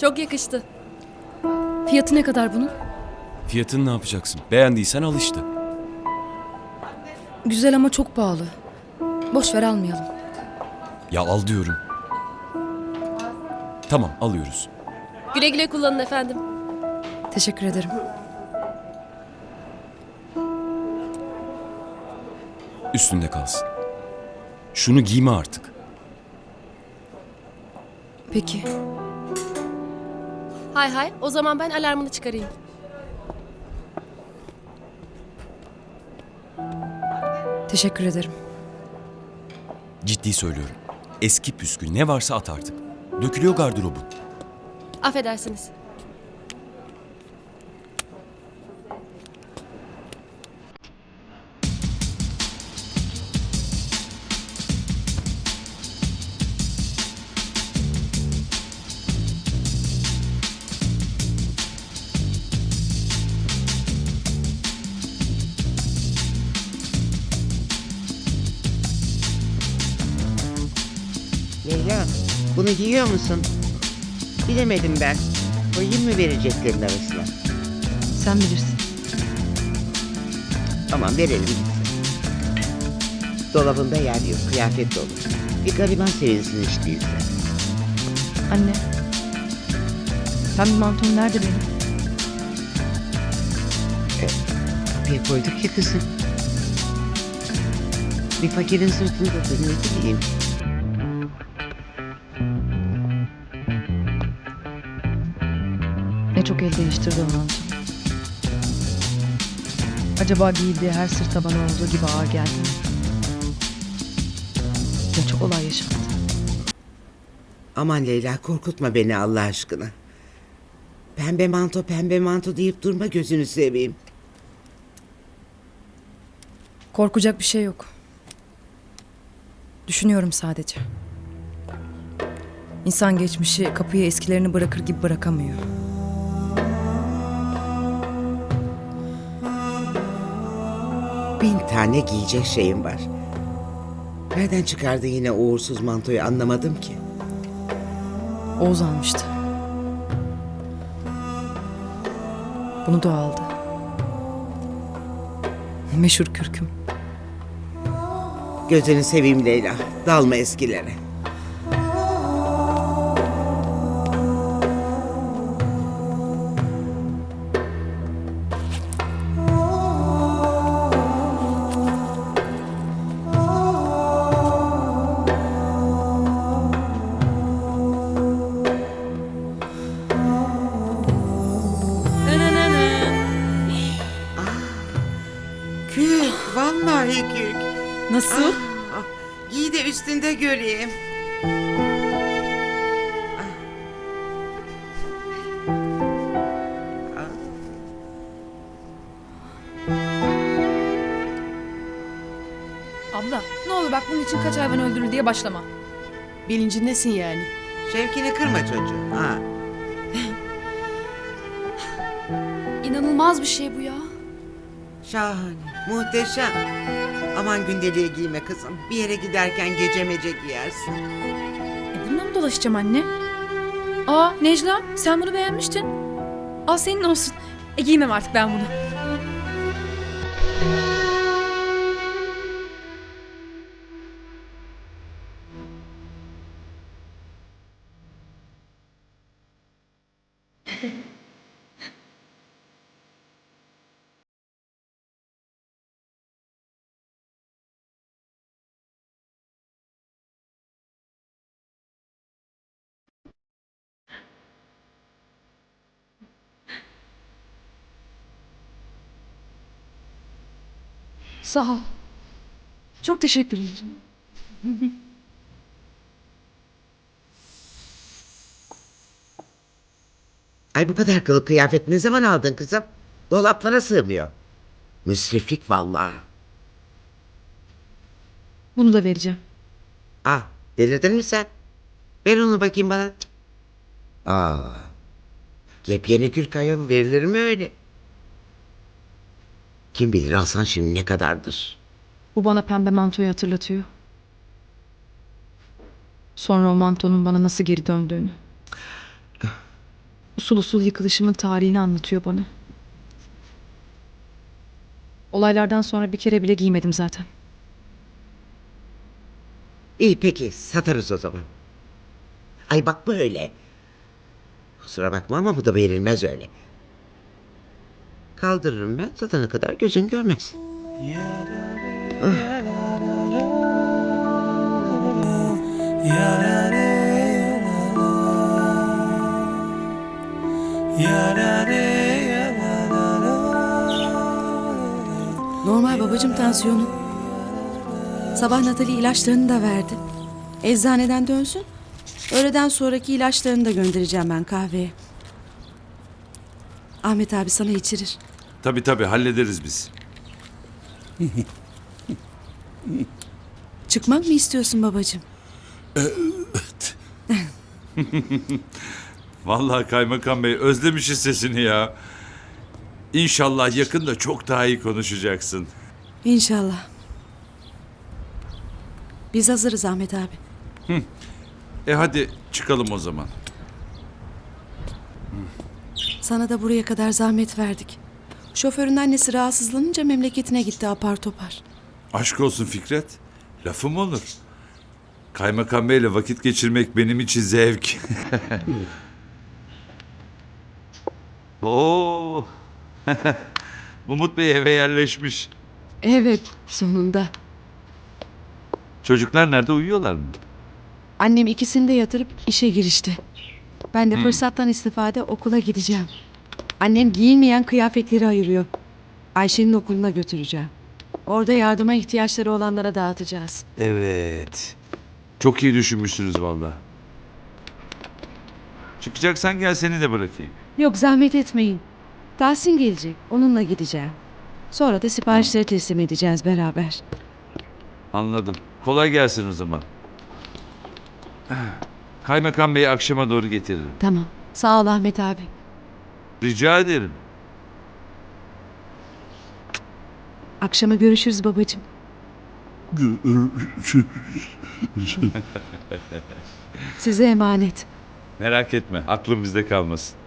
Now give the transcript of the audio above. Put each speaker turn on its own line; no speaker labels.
Çok yakıştı.
Fiyatı ne kadar bunun?
Fiyatını ne yapacaksın? Beğendiysen al işte.
Güzel ama çok pahalı. Boş ver, almayalım.
Ya al diyorum. Tamam, alıyoruz.
Güle güle kullanın efendim.
Teşekkür ederim.
Üstünde kalsın. Şunu giyme artık.
Peki.
Hay hay, o zaman ben alarmını çıkarayım.
Teşekkür ederim.
Ciddi söylüyorum. Eski püskü ne varsa at artık. Dökülüyor gardırobun.
Affedersiniz.
Leyla, bunu giyiyor musun? Bilemedim ben. Koyayım mı vereceklerin arasına?
Sen bilirsin.
Tamam, verelim gitsin. Dolabında yer yok, kıyafet dolu. Bir gariban sevinsin hiç değilse.
Anne. Pembe mantom nerede benim?
Kapıya koyduk ya kızım. Bir fakirin sırtındadır, ne bileyim.
Ne çok el değiştirdi o mantom. Acaba giydiği her sırta bana olduğu gibi ağır geldi mi? Ne çok olay yaşattı.
Aman Leyla, korkutma beni Allah aşkına. Pembe manto, pembe manto deyip durma, gözünü seveyim.
Korkacak bir şey yok. Düşünüyorum sadece. İnsan geçmişi kapıya eskilerini bırakır gibi bırakamıyor.
Bin tane giyecek şeyim var. Nereden çıkardı yine o uğursuz mantoyu anlamadım ki.
Oğuz almıştı. Bunu da aldı. Meşhur kürküm.
Gözünü seveyim Leyla, dalma eskilere. Kürk, vallahi kürk.
Nasıl?
Giy de üstünde göreyim.
Abla ne olur bak bunun için kaç hayvan öldürür diye başlama.
Bilincindesin yani.
Şevkini kırma çocuğum. Ha.
İnanılmaz bir şey bu ya.
Şahane, muhteşem. Aman gündeliğe giyme kızım. Bir yere giderken gece mece giyersin.
Bununla mı dolaşacağım anne? Aa Necla sen bunu beğenmiştin. Al senin olsun. Giymem artık ben bunu.
Sağ ol. Çok teşekkür ederim.
Ay, bu kadar kılık kıyafet ne zaman aldın kızım? Dolaplara sığmıyor. Müsriflik vallahi.
Bunu da vereceğim.
Ah, delirdin mi sen? Ver onu bakayım bana. Yepyeni kürk ayol verilir mi öyle? Kim bilir alsan şimdi ne kadardır?
Bu bana pembe mantoyu hatırlatıyor. Sonra o mantonun bana nasıl geri döndüğünü. usul usul yıkılışımın tarihini anlatıyor bana. Olaylardan sonra bir kere bile giymedim zaten.
İyi peki satarız o zaman. Ay bakma öyle. Kusura bakma ama bu da verilmez öyle. Kaldırırım ben satana kadar gözün görmez.
Normal babacığım tansiyonu. Sabah Natali ilaçlarını da verdi. Eczaneden dönsün. Öğleden sonraki ilaçlarını da göndereceğim ben kahveye. Ahmet abi sana içirir.
Tabii hallederiz biz.
Çıkmak mı istiyorsun babacığım?
Vallahi kaymakam bey özlemişiz sesini ya. İnşallah yakında çok daha iyi konuşacaksın.
İnşallah. Biz hazırız Ahmet abi.
Hadi çıkalım o zaman.
Sana da buraya kadar zahmet verdik. Şoförün annesi rahatsızlanınca memleketine gitti apar topar.
Aşk olsun Fikret. Lafım olur. Kaymakam beyle vakit geçirmek benim için zevk. Oo. Umut Bey eve yerleşmiş.
Evet, sonunda.
Çocuklar nerede, uyuyorlar mı?
Annem ikisini de yatırıp işe girişti. Ben de fırsattan istifade okula gideceğim. Annem giyinmeyen kıyafetleri ayırıyor. Ayşe'nin okuluna götüreceğim. Orada yardıma ihtiyaçları olanlara dağıtacağız.
Evet. Çok iyi düşünmüşsünüz vallahi. Çıkacaksan gel seni de bırakayım.
Yok, zahmet etmeyin. Tahsin gelecek, onunla gideceğim. Sonra da siparişleri teslim edeceğiz beraber.
Anladım. Kolay gelsin o zaman. Kaymakam Bey'i akşama doğru getiririm.
Tamam, sağ ol Ahmet abi.
Rica ederim.
Akşama görüşürüz babacığım. Size emanet.
Merak etme, aklım bizde kalmasın.